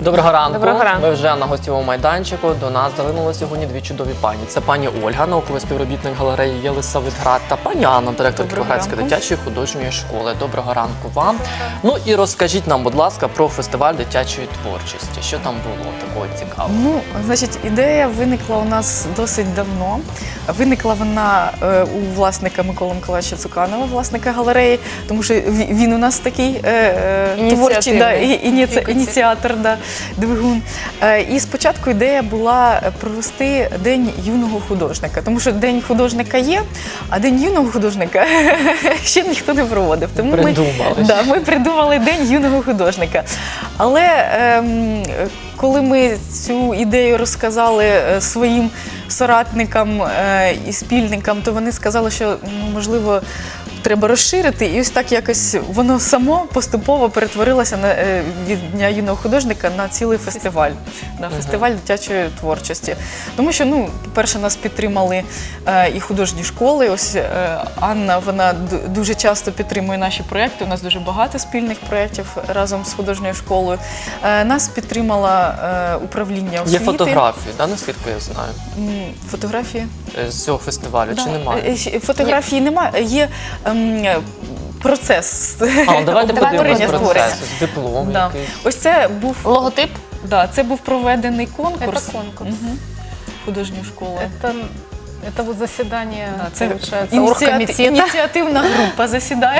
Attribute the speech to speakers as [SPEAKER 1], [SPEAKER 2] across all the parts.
[SPEAKER 1] Доброго ранку.
[SPEAKER 2] Доброго ранку.
[SPEAKER 1] Ми вже на гостєвому майданчику. До нас залинули сьогодні дві чудові пані. Це пані Ольга, науковий співробітник галереї Єлисаветград, та пані Анна, директор Кіровоградської дитячої художньої школи. Доброго ранку вам. Ну і розкажіть нам, будь ласка, про фестиваль дитячої творчості. Що там було такого цікавого?
[SPEAKER 2] Ну, значить, ідея виникла у нас досить давно. Виникла вона у власника Миколи Миколаївича Цуканова, власника галереї, тому що він у нас такий творчий ініціатор, двигун. І спочатку ідея була провести День юного художника, тому що День художника є, а День юного художника ще ніхто не проводив. Тому ми придумали День юного художника. Але коли ми цю ідею розказали своїм соратникам і спільникам, то вони сказали, що, можливо, треба розширити. І ось так якось воно само поступово перетворилося від Дня юного художника на цілий фестиваль, на фестиваль дитячої творчості. Тому що, по-перше, нас підтримали і художні школи. Ось Анна, вона дуже часто підтримує наші проєкти. У нас дуже багато спільних проєктів разом з художньою школою. Нас підтримало управління освіти.
[SPEAKER 1] Є фотографії, наскільки я знаю?
[SPEAKER 2] Фотографії?
[SPEAKER 1] З цього фестивалю, чи немає?
[SPEAKER 2] Фотографії немає, є процес.
[SPEAKER 1] Давайте подивимось процес, диплом якийсь.
[SPEAKER 2] Ось це був
[SPEAKER 3] логотип.
[SPEAKER 2] Це був проведений конкурс.
[SPEAKER 3] Це конкурс.
[SPEAKER 2] Художньої школи.
[SPEAKER 3] Это вот заседание,
[SPEAKER 2] це
[SPEAKER 3] получается, оргкомитета.
[SPEAKER 2] Ініціативна група засідає.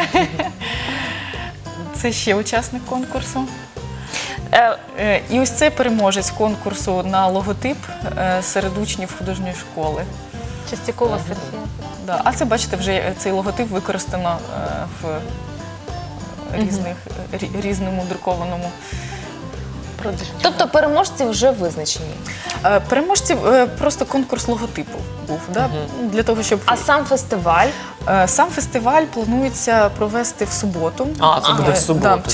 [SPEAKER 2] Це ще учасник конкурсу. І ось це переможець конкурсу на логотип серед учнів художньої школи.
[SPEAKER 3] Чистякова Софія.
[SPEAKER 2] А це, бачите, вже цей логотип використано в різному друкованому продажі.
[SPEAKER 3] Тобто переможці вже визначені?
[SPEAKER 2] Переможці просто конкурс логотипу був, для того, щоб...
[SPEAKER 3] А сам фестиваль?
[SPEAKER 2] Сам фестиваль планується провести в суботу.
[SPEAKER 1] Це буде в суботу.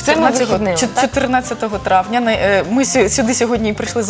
[SPEAKER 2] 14 травня. Ми сюди сьогодні прийшли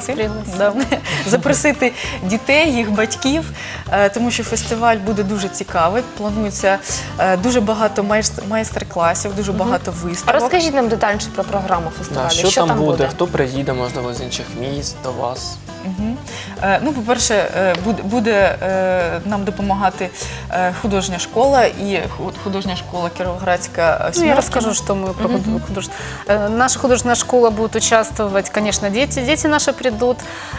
[SPEAKER 2] запросити дітей, їх батьків, тому що фестиваль буде дуже цікавий. Планується дуже багато майстер-класів, дуже багато виставок.
[SPEAKER 3] Розкажіть нам детальніше про програму фестивалю.
[SPEAKER 1] Що там буде? Хто приїде, можливо, з інших міст до вас?
[SPEAKER 2] По-перше, буде нам допомагати художня школа и художня школа Кіровоградська.
[SPEAKER 4] Я расскажу, что мы про художественную. Наша художественная школа будет участвовать, конечно, дети наши придут.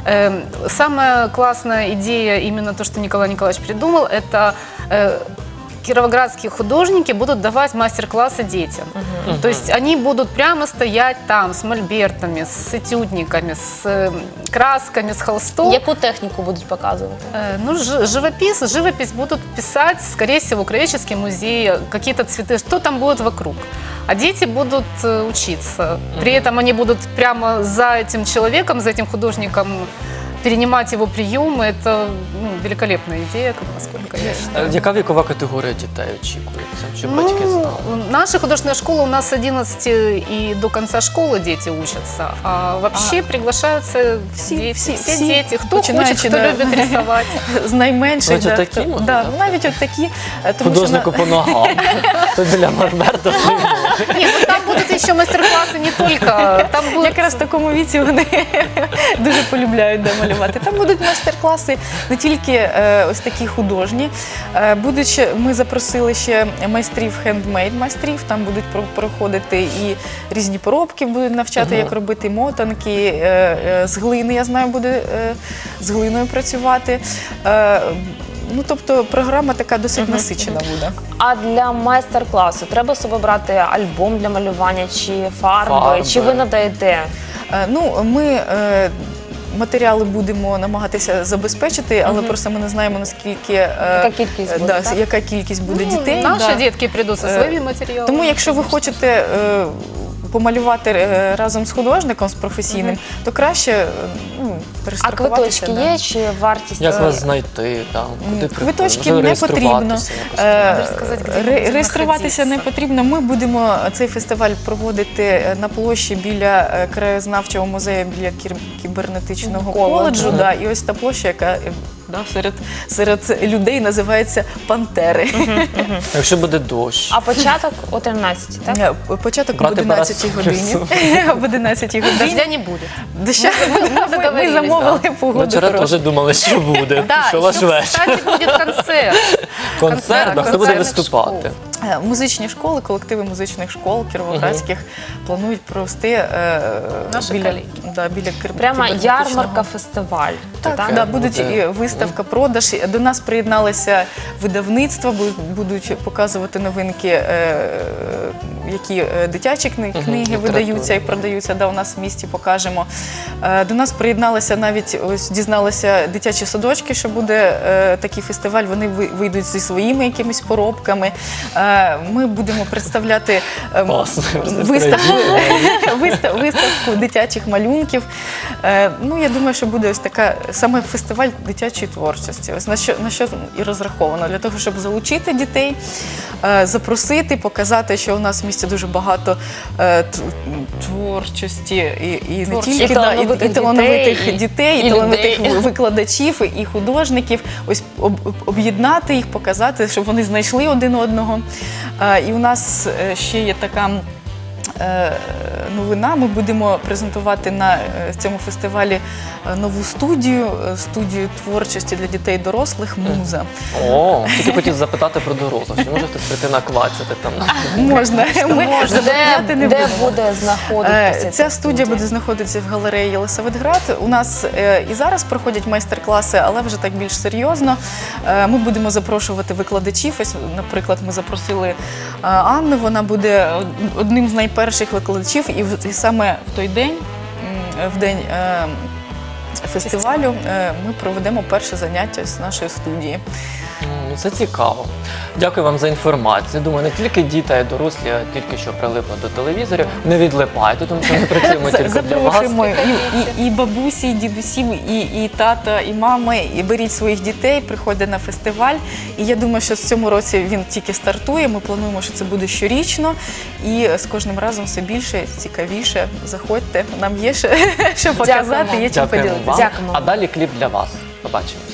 [SPEAKER 4] Самая классная идея, именно то, что Николай Николаевич придумал, это кировоградские художники будут давать мастер-классы детям. То есть они будут прямо стоять там с мольбертами, с этюдниками, с красками, с холстом.
[SPEAKER 3] Яку техніку будуть показувати?
[SPEAKER 4] Живопись будут писать, скорее всего, краеведческий музей, какие-то цветы, что там будет вокруг. А дети будут учиться. При этом они будут прямо за этим человеком, за этим художником перенимать его приемы. Это великолепная идея, насколько я считаю.
[SPEAKER 1] Яка вікова категорія дітей очікується, щоб батьки знали?
[SPEAKER 4] Наша художественная школа, у нас с 11 и до конца школы дети учатся. А вообще приглашаются все дети, кто хочет, кто любит рисовать.
[SPEAKER 2] З найменших. Навіть от такі.
[SPEAKER 1] Художнику по ногам. То для Мольберта.
[SPEAKER 4] Ні, там будуть ще майстер-класи не тільки.
[SPEAKER 2] Якраз в такому віці вони дуже полюбляють малювати. Там будуть майстер-класи не тільки ось такі художні. Ми запросили ще майстрів, хендмейд-майстрів. Там будуть проходити і різні поробки, будуть навчати, як робити мотанки. З глини, я знаю, буде з глиною працювати. Тобто програма така досить насичена буде.
[SPEAKER 3] А для майстер-класу треба собі брати альбом для малювання чи фарби? Чи ви надаєте?
[SPEAKER 2] Ми матеріали будемо намагатися забезпечити, але просто ми не знаємо, наскільки яка кількість буде дітей.
[SPEAKER 4] Наші дітки прийдуть зі своїми матеріалами.
[SPEAKER 2] Тому якщо ви хочете помалювати разом з художником, з професійним, то краще перестрахуватися.
[SPEAKER 3] А квиточки є чи вартість?
[SPEAKER 1] Як вас знайти?
[SPEAKER 2] Квиточки не потрібно. Реєструватися не потрібно. Ми будемо цей фестиваль проводити на площі біля краєзнавчого музею, біля кібернетичного коледжу. І ось та площа, яка да, серед людей називається пантери.
[SPEAKER 1] Якщо буде дощ.
[SPEAKER 3] А початок о 13, так?
[SPEAKER 2] Початок об
[SPEAKER 1] Брати
[SPEAKER 2] 11 годині. Об 11 годині.
[SPEAKER 4] Дождя не будет.
[SPEAKER 2] Доща ми
[SPEAKER 4] договорились,
[SPEAKER 2] замовили погоду
[SPEAKER 1] Ми вчора
[SPEAKER 2] хорошу.
[SPEAKER 1] теж думали, що буде.
[SPEAKER 4] Да,
[SPEAKER 1] Що ваш
[SPEAKER 4] еще,
[SPEAKER 1] вечір?
[SPEAKER 4] кстати, будет концерт.
[SPEAKER 1] Концерт, а хто буде
[SPEAKER 4] концертних
[SPEAKER 1] виступати?
[SPEAKER 2] Музичні школи, колективи музичних школ кіровоградських планують провести
[SPEAKER 4] Наші
[SPEAKER 2] біля
[SPEAKER 4] колеги.
[SPEAKER 3] Прямо
[SPEAKER 2] кібернетичного.
[SPEAKER 3] ярмарка, фестиваль.
[SPEAKER 2] Так, да, будуть
[SPEAKER 1] буде.
[SPEAKER 2] і виставка, продаж. До нас приєдналися видавництва, будуть показувати новинки, які дитячі книги
[SPEAKER 1] література.
[SPEAKER 2] видаються і продаються. Да, у нас в місті покажемо. До нас приєдналися навіть, ось дізналися дитячі садочки, що буде такий фестиваль. Вони вийдуть зі своїми якимись поробками. Ми будемо представляти
[SPEAKER 1] Класно.
[SPEAKER 2] виставку дитячих малюнків. Ну, я думаю, що буде ось така саме фестиваль дитячої творчості. Ось на що і розраховано для того, щоб залучити дітей, запросити, показати, що у нас в місті дуже багато творчості і не тільки
[SPEAKER 3] І талановитих
[SPEAKER 2] і талановитих
[SPEAKER 3] дітей,
[SPEAKER 2] дітей,
[SPEAKER 3] і
[SPEAKER 2] і талановитих
[SPEAKER 3] людей.
[SPEAKER 2] викладачів і художників. Ось об'єднати їх, показати, щоб вони знайшли один одного. І у нас ще є така новина. Ми будемо презентувати на цьому фестивалі нову студію творчості для дітей і дорослих «Муза».
[SPEAKER 1] О, тільки хотів запитати про дорослих. Чи може хтось прийти наквацяти там?
[SPEAKER 2] Можна. Ми забороняти не
[SPEAKER 3] Де
[SPEAKER 2] будемо.
[SPEAKER 3] буде знаходитися?
[SPEAKER 2] Ця студія буде знаходитися в галереї Єлисаветград. У нас і зараз проходять майстер-класи, але вже так більш серйозно. Ми будемо запрошувати викладачів. Ось, наприклад, ми запросили Анну, вона буде одним з найперших викладачів. І саме в той день, в день фестивалю, ми проведемо перше заняття з нашої студії.
[SPEAKER 1] Ну, це цікаво. Дякую вам за інформацію. Думаю, не тільки діти, а й дорослі, а тільки що прилипли до телевізорів. Не відлипайте, тому що ми працюємо тільки для вас.
[SPEAKER 2] Запрошуємо і бабусі, і дідусі, і тата, і мами, і беріть своїх дітей, приходьте на фестиваль. І я думаю, що в цьому році він тільки стартує. Ми плануємо, що це буде щорічно. І з кожним разом все більше, цікавіше. Заходьте, нам є що показати, є чим
[SPEAKER 1] Дякуємо
[SPEAKER 2] поділитися.
[SPEAKER 1] вам.
[SPEAKER 3] Дякуємо.
[SPEAKER 1] А далі кліп для вас. Побачимо.